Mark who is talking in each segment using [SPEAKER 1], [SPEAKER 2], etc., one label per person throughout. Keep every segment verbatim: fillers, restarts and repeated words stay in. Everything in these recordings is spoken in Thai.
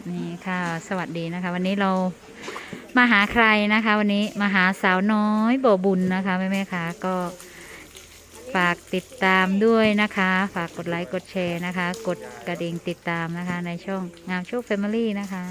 [SPEAKER 1] นี่ค่ะสวัสดีนะคะวันนี้เรามาหาใครนะคะวันนี้มาหาสาวน้อยบ่อบุญนะคะแม่แม่ค่ะก็ฝากติดตามด้วยนะคะฝากกดไลค์กดแชร์นะคะกดกระดิ่งติดตามนะคะในช่องงามโชคแฟมิลี่นะคะ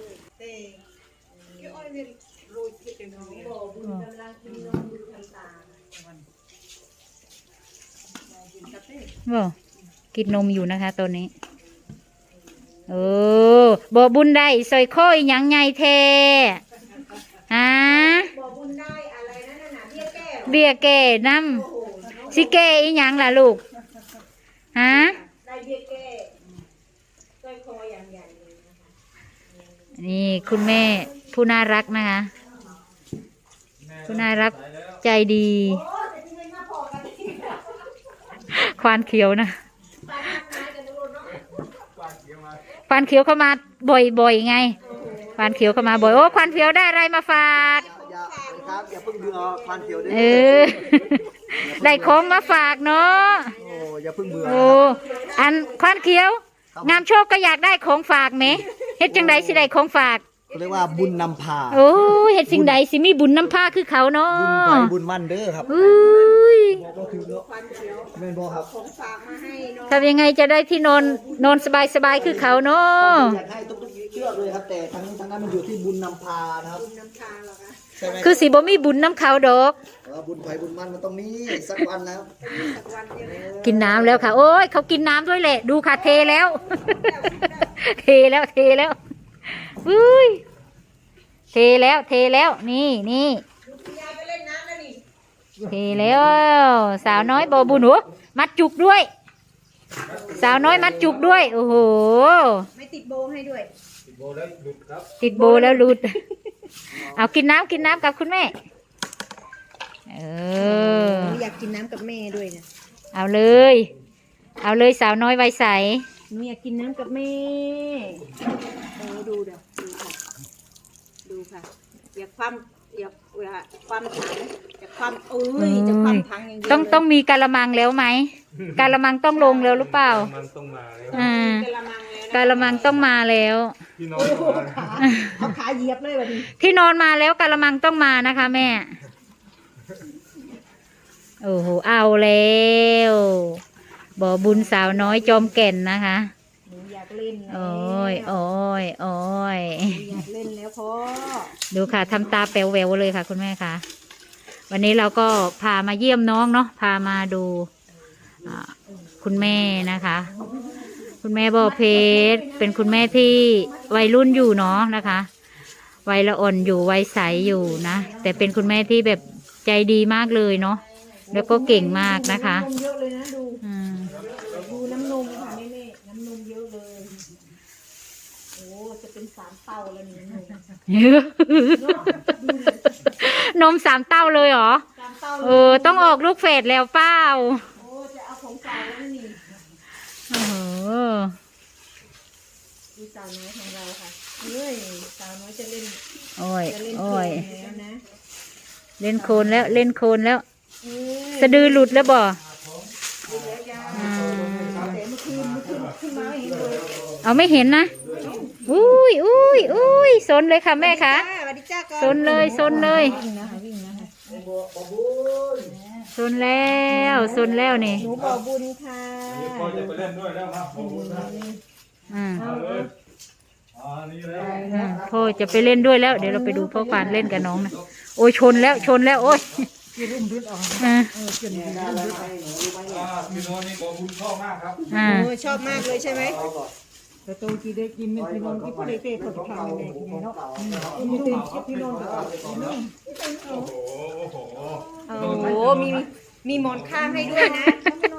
[SPEAKER 1] บ่กินนมอยู่นะคะตัวนี้โอ้บ่บุญได้ซอยข้อยยังไงเทฮะบ่บุญได้อะไรนั่นน่ะเบี้ยแก่น้ำสิแก่อีหยังล่ะลูกฮะได้เบี้ยแก่ซอยคออย่างใหญ่เลยนะคะนี่คุณแม่ผู้น่ารักนะคะผู้น่ารักใจดีควานเขียวนะควานเขียวเข้ามาบ่อยๆไงควานเขียวเข้ามาบ่อยโอ้ควานเขียวได้อะไรมาฝาก
[SPEAKER 2] ครับอย่าเพิ่งเบื่อควานเขียวด้วย
[SPEAKER 1] เออได้ของมาฝากเนาะ
[SPEAKER 2] โอ้อย่าเพิ่งเบื่อ
[SPEAKER 1] โอ้อันควานเขียวงามโชคก็อยากได้ของฝากไหมเฮ็ดจังไดสิได้ของฝาก
[SPEAKER 2] เรียกว่าบุญนำพา
[SPEAKER 1] โอ้เฮ็ดสิ่งใดสิมีบุญนำพาคือเขาเนาะ
[SPEAKER 2] บุญไปบุญมันเด้อครับ
[SPEAKER 1] อุ้ย
[SPEAKER 2] แม่นบ่ครับ
[SPEAKER 1] ของฝากมาให้เนาะทำยังไงจะได้ที่นอนนอนสบายๆคือเขาเนาะ
[SPEAKER 2] อยากให้ทุกๆเชือกเลยครับแต่ทั้งทั้งนั้นมันอยู่ที่บุญนำพานะครับบุญนำพาเหรอคะ
[SPEAKER 1] คือสิบ่มีบุญน้ำเขาดอก
[SPEAKER 2] บุญไผ่บุญมันมันต้องมีสักวันแล้ว
[SPEAKER 1] กินน้ำแล้วค่ะโอ้ยเขากินน้ำด้วยแหละดูค่ะเทแล้วเทแล้วเทแล้วอุ้ยเทแล้วเทแล้วนี่นี่เทแล้วสาวน้อยบ่บุญหัวมัดจุกด้วยสาวน้อยมัดจุกด้วยโอ้โห
[SPEAKER 3] ไม่ติดโบให้ด้วย
[SPEAKER 1] ติดโบแล้วหลุดครับติดโบแล้วหลุดเอากินน้ำกินน้ำกับคุณแม่เออ
[SPEAKER 3] อยากกินน้ำกับแม่ด้วยนะ
[SPEAKER 1] เอาเลยเอาเลยสาวน้อยวัยใส
[SPEAKER 3] หนูอยากกินน้ำกับแม่โอ้ดูเดี๋ยวดูค่ะดูค่ะอยากความอยากความถังอยากความเอ้ยจะความถังอย่างเดียว
[SPEAKER 1] ต้องต้องมีกะละมังแล้วไหมกะละมังต้องลงแล้วหรือเปล่าอ่ากะละมังต้องมาแล้ว
[SPEAKER 3] ที่นอนเอาขาเหยียบเลยแบบนี้
[SPEAKER 1] ที่นอนมาแล้วกะละมังต้องมานะคะแม่โอ้โหเอาแล้วบ่อบุญสาวน้อยจอมแก่นนะคะ
[SPEAKER 3] อยากเล่น
[SPEAKER 1] โอ้ยโอ้ยโอ้ย
[SPEAKER 3] อยากเล่นแล้วพ่อ
[SPEAKER 1] ดูค่ะทำตาแป๋วแหววเลยค่ะคุณแม่ค่ะวันนี้เราก็พามาเยี่ยมน้องเนาะพามาดูคุณแม่นะคะคุณแม่บ่อเพชรเป็นคุณแม่ที่วัยรุ่นอยู่เนาะนะคะวัยละอ่อนอยู่วัยใสอยู่นะแต่เป็นคุณแม่ที่แบบใจดีมากเลยเนาะแล้วก็เก่งมากนะคะ
[SPEAKER 3] น้ำนมเยอะเลยนะดูดูน้ำนมค่ะแม่ๆน้ำนมเยอะเลยโอ้จะเป็นสามเต้าแล้วนี่
[SPEAKER 1] นมสามเต้าเลยเหรอเออต้องออกลูกเฟสแล้วเปล่า
[SPEAKER 3] โอ้จะเอาของสาวแล้วนี่
[SPEAKER 1] โอ้โห
[SPEAKER 3] ดูสาวน้อยของเราค่ะเฮ้ยสาวน้อยจะเล่น
[SPEAKER 1] โอ้ยโอ้ย
[SPEAKER 3] แล้วนะ
[SPEAKER 1] เล่นโคลนแล้วเล่นโคลนแล้วสะดือหลุดแล้วบ่เอาไม่เห็นนะอุ้ยอุ้ยอุ้ยซนเลยค่ะแม่ค่ะซนเลยซนเลยซนแล้วซนแล้วนี่
[SPEAKER 3] หนูบ่อบุญค่ะ
[SPEAKER 2] พ่อจะไปเล่นด้วยแล้วครับ
[SPEAKER 1] อ่าพ่อจะไปเล่นด้วยแล้วเดี๋ยวเราไปดูพ่อควานเล่นกับน้องนะโอ้ยชนแล้วชนแล้วโอ้ย
[SPEAKER 2] พี่รุ่มดึดออก
[SPEAKER 1] อ่า
[SPEAKER 2] พี่โน้นี่บ่บุญชอบมากครับ
[SPEAKER 1] อ่า
[SPEAKER 3] ชอบมากเลยใช่ไหม
[SPEAKER 2] แต่ตัวจีได้กินไม่พี่น้องที่พ่อได้เตะก็จะทำในในเนาะมีเตะพี่น้องก็
[SPEAKER 3] โอ้โหมีมีหมอนข้างให้ด้วยนะ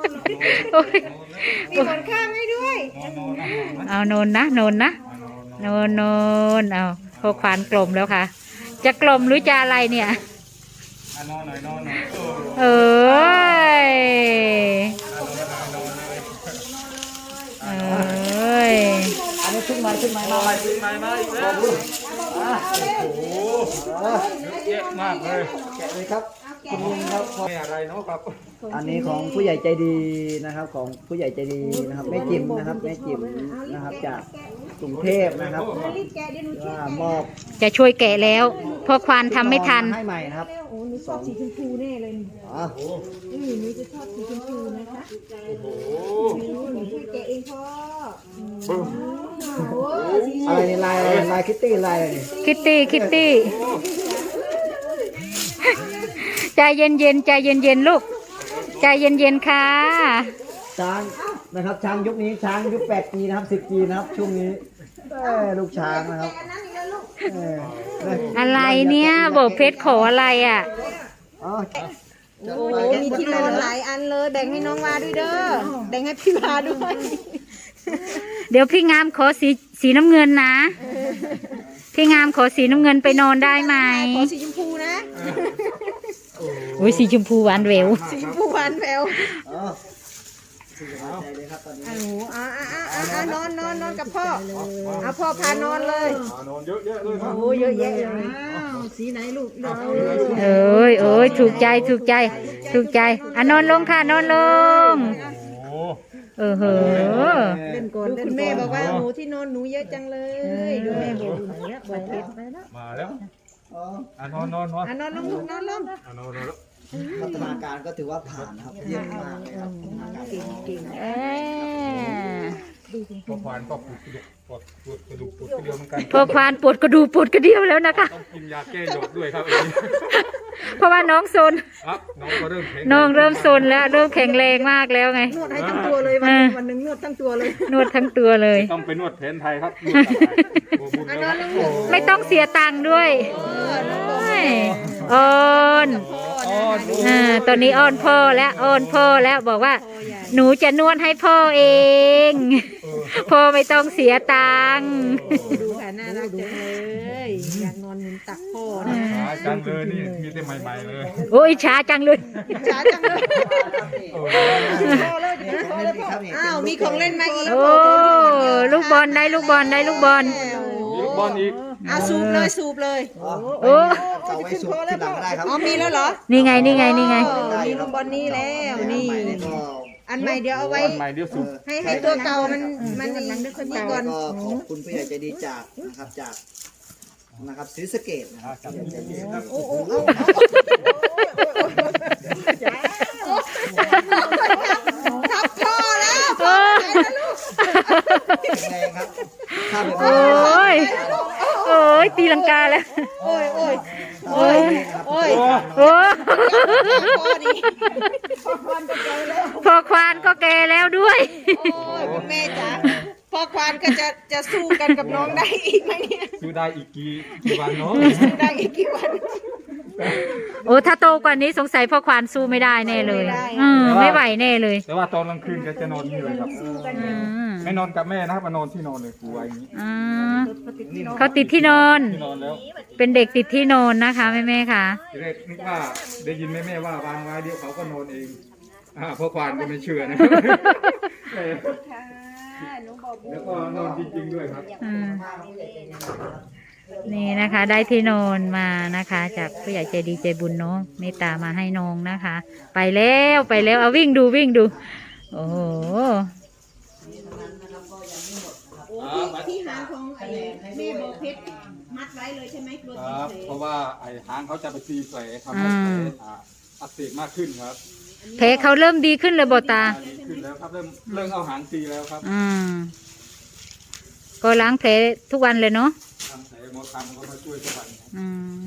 [SPEAKER 3] มีหมอนข้างให้ด้วย
[SPEAKER 1] เอาโนนนะโนนนะโนนโนนเอาพอควานกลมแล้วค่ะจะกลมหรือจะอะไรเนี่ย
[SPEAKER 2] นอนหน่อยนอนหน่อย
[SPEAKER 1] เอ้ยเอ้ย
[SPEAKER 2] อันนี้ขึ้นมาขึ้นมามาขึ้นมามาอีกแล้วโอ้โหเยอะมากเลยแกะเลยครับคุณลุงครับไม่อะไรเนาะครับ
[SPEAKER 4] อันนี้ของผู้ใหญ่ใจดีนะครับ ของผู้ใหญ่ใจดีนะครับแม่จิ๋มนะครับแม่จิ๋มนะครับจากกรุงเทพนะครับ
[SPEAKER 3] รีบแกะเดี๋ยวหนูช่วย
[SPEAKER 4] ว่า
[SPEAKER 3] แกะ
[SPEAKER 4] มอบ
[SPEAKER 1] จะช่วยแกะแล้วเพอควานทำไม่ทัน
[SPEAKER 4] ให้ใหม่นะครับ
[SPEAKER 2] โอ้หนูชอบสีชมพูแน่เลย
[SPEAKER 4] อ๋อ
[SPEAKER 2] อือหนูจะชอบสีชมพูนะคะ
[SPEAKER 3] หนูช่วยแกะเองพ่อ
[SPEAKER 4] อะไรนี่ลายอะไรลายคิตตี้ลายอะไรนี่
[SPEAKER 1] คิตตี้คิตตี้ใจเย็นเย็นๆใจเย็นเย็นๆลูกใจเย็นเย็นๆค่ะ
[SPEAKER 4] ช้างนะครับช้างยุคนี้ช้างยุคแปดจีนะครับสิบจีนะครับช่วงนี้เอ้ยลูกช้างนะครับเอ้ย
[SPEAKER 1] อะไรเนี่ยบอกเพชรขออะไรอ่ะ
[SPEAKER 4] อ๋อ
[SPEAKER 3] โอ้โหมีที่นอนหลายอันเลยแบ่งให้น้องวาด้วยเด้อแบ่งให้พี่วาด้วย
[SPEAKER 1] เดี๋ยวพี่งามขอสีสีน้ำเงินนะ พี่งามขอสีน้ำเงินไปนอนได้ไหม
[SPEAKER 3] ขอสีชมพูนะ
[SPEAKER 1] โอ้ยสีชมพูหวานแหวว
[SPEAKER 3] สีชมพูหวานแวว
[SPEAKER 4] อ๋อสุดยอดใจเลยครับตอนนี้
[SPEAKER 3] โอ้โหอ่าอ่าอ่าอ่านอนนอนนอนกับพ่อเอาพ่อพานอนเลย
[SPEAKER 5] นอนเยอะแยะเลยครับ
[SPEAKER 3] โอ้เยอะแยะเลย
[SPEAKER 2] อ้าวสีไหนลูกเลือกเอา
[SPEAKER 1] เอ้ยเอ้ยถูกใจถูกใจถูกใจอ่ะนอนลงค่ะนอนลง
[SPEAKER 5] โอ้
[SPEAKER 1] เออเหอะ
[SPEAKER 2] เล่นก่อน
[SPEAKER 3] ดู
[SPEAKER 2] เล่น
[SPEAKER 3] คุณ
[SPEAKER 2] ก่
[SPEAKER 3] แม่
[SPEAKER 2] อน
[SPEAKER 3] บอกว่าหนูที่นอนหนูเยอะจังเลยดูแม่บอก
[SPEAKER 2] บอกเพชรไปแล้ว
[SPEAKER 5] มาแล้ว
[SPEAKER 4] อ๋อ
[SPEAKER 5] อ่ะนอนนอนนอน
[SPEAKER 3] อ่ะนอนลงลูกนอนลง
[SPEAKER 5] อ่ะนอนนอนแล้ว
[SPEAKER 4] พัฒนาการก็ถือว่าผ่านนะครับเยี่ยมมากเลยครับพัฒนาการ
[SPEAKER 3] เก่งเก่ง
[SPEAKER 1] เอ้ย
[SPEAKER 5] พอควานก็ปวดกระดูกปวดปวดกระดูกปวดกระเดียวเหมือนกัน
[SPEAKER 1] พอควานปวดกระดูกปวดกระเดี่ยวแล้วนะคะ
[SPEAKER 5] ต้องกินยาแก้หยดด้วยครับ
[SPEAKER 1] เพราะว่าน้องโซน
[SPEAKER 5] ครับน้องก็เริ่มแข็ง
[SPEAKER 1] น้องเริ่มโซนแล้วเริ่มแข็งแรงมากแล้วไง
[SPEAKER 3] นวดให้ทั้งตัวเลยวันหนึ่งวันหนึ่งนวดทั้งตัวเลย
[SPEAKER 1] นวดทั้งตัวเลย
[SPEAKER 5] ต้องไปนวดแผนไทยครับนวดอะไรโอ้บุญแล้วครับ
[SPEAKER 1] ไม่ต้องเสียตังค์ด้วยอ้อนอ่าตอนนี้อ้อนพ่อแล้วอ้อนพ่อแล้วบอกว่า หนูจะนวดให้พ่อเอง พ่อไม่ต้องเสียตังค์
[SPEAKER 3] ดูค่ะน่ารักจังเลยอยากนอนหนุนตักพ่อนะ
[SPEAKER 5] หาจังเลยนี่มีแต่ใหม่ๆเลย
[SPEAKER 1] โอ้ยช้าจังเลย
[SPEAKER 3] ช้าจังเลย
[SPEAKER 5] โอ้
[SPEAKER 3] พ่อเลยพ่อเลยพ่ออ้าวมีของเล่นมาอีก
[SPEAKER 1] โอ้ลูกบอลได้ลูกบอลได้ลูกบอล
[SPEAKER 5] ยกบอลอีก
[SPEAKER 3] อ่ะสูบเลยสูบเลย
[SPEAKER 4] อ๋อ
[SPEAKER 1] โอ้
[SPEAKER 4] เก่าไว้สุดที่หลังก็ได้ครับ
[SPEAKER 3] อ๋อมีแล้วเหรอ
[SPEAKER 1] นี่ไงนี่ไงนี่ไง
[SPEAKER 3] เออมีลูกบอลนี้แล้วนี่ อันใหม่เดี๋ยวเอาไว้
[SPEAKER 5] บอลใหม่เดี๋ยวสุด
[SPEAKER 3] ให้ให้ตัวเก่ามันมันนี่นี่ก่อน
[SPEAKER 4] ก็ขอบคุณผู้ใหญ่ใจดีจากนะครับจากนะครับศรีสะเกษนะครับผู้ใหญ่ใจดีครับ
[SPEAKER 3] โอ้โอ้โอ้ทับพ่อแล้ว
[SPEAKER 1] โอ้
[SPEAKER 4] แรงครับข้ามไป
[SPEAKER 1] โอ้ยโอ้ยตีลังกาแล้ว
[SPEAKER 3] โอ้ยโอ้ย
[SPEAKER 1] โอ้ย
[SPEAKER 3] โอ้ย
[SPEAKER 1] โอ้
[SPEAKER 3] พ่อดี
[SPEAKER 1] พอควานก็แก่แล้วด้วย
[SPEAKER 3] โอ้ยคุณแม่จ๋าพ่อควานก็จะจะสู้กันกับน้องได้อีกไหมเนี่ย
[SPEAKER 5] ซื้อได้อีกกี่กี่วันเนาะ
[SPEAKER 3] สู้ได้อีกกี่วัน
[SPEAKER 1] โอ้ถ้าโตกว่านี้สงสัยพ่อควานสู้ไม่ได้แน่เลย
[SPEAKER 3] ไม่ได้
[SPEAKER 1] อืมไม่ไหวแน่เลย
[SPEAKER 5] แต่ว่าตอนกลางคืนแกจะนอนนี่เลยครับ
[SPEAKER 1] อืม
[SPEAKER 5] ไม่นอนกับแม่นะครับมานอนที่นอนเลยกลัวอย่างนี้
[SPEAKER 1] อ่าเขาติดที่นอน
[SPEAKER 5] ที่นอนแล้ว
[SPEAKER 1] เป็นเด็กติดที่นอนนะคะแม่แม่ๆค่ะ
[SPEAKER 5] ทีแรกนึกว่าได้ยินแม่แม่ๆว่าวางไว้เดี๋ยวเขาก็นอนเองอ่าเพราะควานก็ไม่เชื่อนะ
[SPEAKER 3] ค่ะหนูบอก
[SPEAKER 5] แล้วก็นอนจริงๆด้วยครับ
[SPEAKER 1] อืมนี่นะคะ ได้ที่นอนมานะคะ จากผู้ใหญ่ใจดีใจบุญเนาะเมตตามาให้น้องนะคะ ไปแล้วไปแล้วเอาวิ่งดูวิ่งดู โอ้โห
[SPEAKER 3] ที่หางของไอ้แม่โบเพชรมัดไว้เลยใช่ไหมกลัว
[SPEAKER 5] ค
[SPEAKER 3] ติด
[SPEAKER 5] รับ
[SPEAKER 3] เส
[SPEAKER 5] เพราะว่าไอ้หางเขาจะไปตีแผลทำให้แผลอ่าอักเสบมากขึ้นครับ
[SPEAKER 1] แผลเขาเริ่มดีขึ้นเลยบอตา
[SPEAKER 5] ดีขึ้นแล้วครับเริ่มเริ่มเอาหางตีแล้วครับ
[SPEAKER 1] อืมก็ล้างแผลทุกวันเลยเนาะ
[SPEAKER 5] ทำแผลหมอทำเขามาช่วยทุกวันครับ
[SPEAKER 1] อืม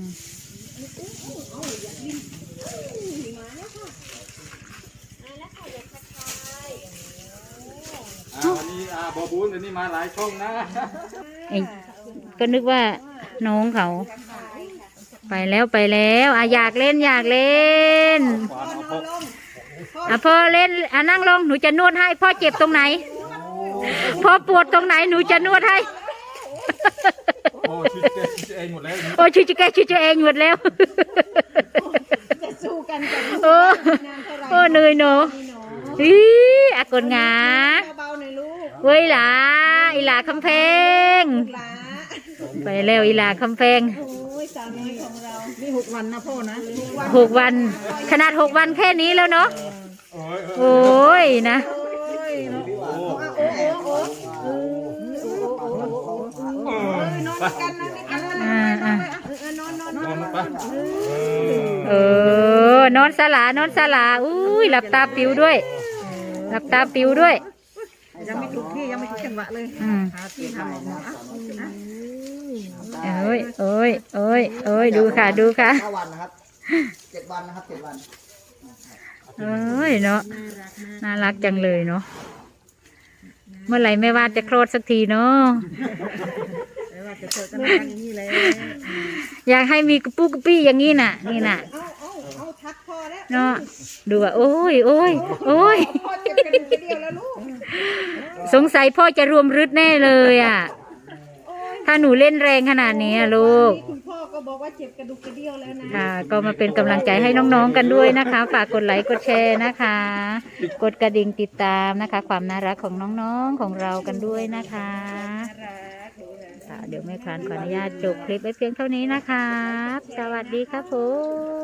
[SPEAKER 5] อ่าวันนี้อ่าบอบูนวันนี้มาหลายช่องนะ
[SPEAKER 1] ไอ้ก็นึกว่าน้องเขา ไปแล้วไปแล้วอ่ะอยากเล่นอยากเล่น
[SPEAKER 5] ควานเอาพก
[SPEAKER 1] อ่ะพ่อเล่นอ่ะนั่งลงหนูจะนวดให้พ่อเจ็บตรงไหนพ่อปวดตรงไหนหนูจะนวดให้
[SPEAKER 5] โอ้ชิดเจเองหมดแล้ว
[SPEAKER 1] โอ้ชิจิแกชิจิเองหมดแล้ว
[SPEAKER 3] จะสู้กันกับ
[SPEAKER 1] โอ้โอ้เหนื่อยเนาะอีอากนงา
[SPEAKER 3] เบาๆหน่อยลูก
[SPEAKER 1] เว้ยหลาอีหลาคำแพง
[SPEAKER 3] หลา
[SPEAKER 1] ไปแล้วอีหลาคำแพง
[SPEAKER 3] โอ้ยสาวน้อยของเรา
[SPEAKER 2] นี่หกวันนะพ่อนะ
[SPEAKER 1] หกวัน ขนาดหกวันแค่นี้แล้วเนาะ
[SPEAKER 3] เ
[SPEAKER 1] โอ้ยนะ
[SPEAKER 3] นอนกันนอนกัน
[SPEAKER 1] อ่าอ่า
[SPEAKER 3] เออนอนนอนน
[SPEAKER 5] น
[SPEAKER 3] อ
[SPEAKER 5] อน
[SPEAKER 3] น
[SPEAKER 5] ลงไป
[SPEAKER 1] เออนอนสลานอนสลาอุ้ยหลับตาปิวด้วยหลับตาปิวด้วย
[SPEAKER 2] ยังไม่ถูกที่ยังไม่ถูกจังหวะเลย
[SPEAKER 1] อืม
[SPEAKER 2] หาที่ทำออกมาอ่ะ
[SPEAKER 1] เอ้ยเอ้ยเอ้ยเอ้ยดูค่ะดูค่ะ
[SPEAKER 4] ห้าวันนะครับเจ็ดวันนะครับเจ็ดวัน
[SPEAKER 1] เอ้ยเนาะน่ารักจังเลยเนาะเมื่อไหร่แม่ว่าจะคลอดสักทีเนาะ
[SPEAKER 2] แต่ว่าจะเจอกันอย่างนี้เลย
[SPEAKER 1] อยากให้มีกระปุกกระปี้อย่างนี้น่ะนี่น่ะ
[SPEAKER 3] เอาเอาเอาทักพอแล้ว
[SPEAKER 1] เนาะดูอ่ะโอ้ยโอ้ยโอ้ย
[SPEAKER 3] พ่อเจ็บกระดูกกระเดียวแล้วลูก
[SPEAKER 1] สงสัยพ่อจะรวมรึดแน่เลยอ่ะถ้าหนูเล่นแรงขนาดนี้อะลูก
[SPEAKER 3] คุณพ่อก็บอกว่าเจ็บกระดูกกระเดียวแล้วนะ
[SPEAKER 1] ค่ะก็มาเป็นกำลังใจให้น้องๆกันด้วยนะคะ ฝากกดไลค์กดแชร์นะคะ กดกระดิ่งติดตามนะคะ ความน่ารักของน้องๆของเรากันด้วยนะคะค่ะเดี๋ยวแม่ครานขออนุญาตจบคลิปไว้เพียงเท่านี้นะคะสวัสดีครับผม